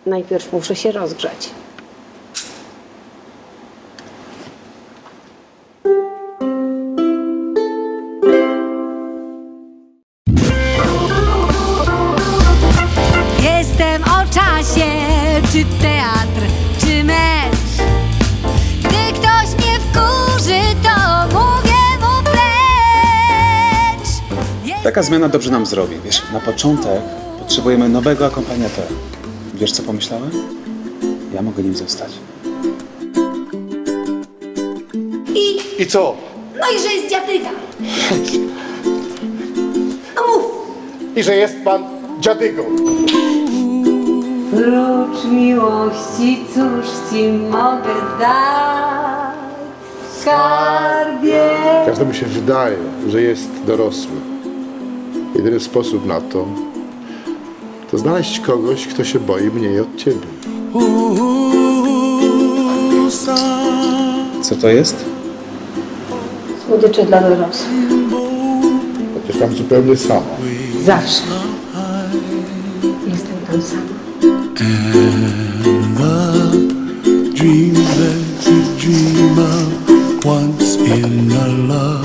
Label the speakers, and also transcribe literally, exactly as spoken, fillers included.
Speaker 1: Najpierw muszę się rozgrzać.
Speaker 2: Jestem o czasie, czy teatr, czy mecz. Gdy ktoś mnie wkurzy, to mówię mu precz. Jest...
Speaker 3: Taka zmiana dobrze nam zrobi. Wiesz, na początek potrzebujemy nowego akompaniatora. Wiesz, co pomyślałem? Ja mogę nim zostać.
Speaker 4: I co?
Speaker 2: No i że jest dziadyga. No mów.
Speaker 4: I że jest pan dziadygą.
Speaker 1: Prócz miłości, cóż ci mogę dać, skarbie?
Speaker 4: Każdemu się wydaje, że jest dorosły. Jedyny sposób na to, to znaleźć kogoś, kto się boi mniej od ciebie.
Speaker 3: Co to jest?
Speaker 1: Słodycze dla dorosłych.
Speaker 4: Chociaż tam zupełnie samo.
Speaker 1: Zawsze. Jestem tam sama.
Speaker 5: Dreams that you dream of once in a love.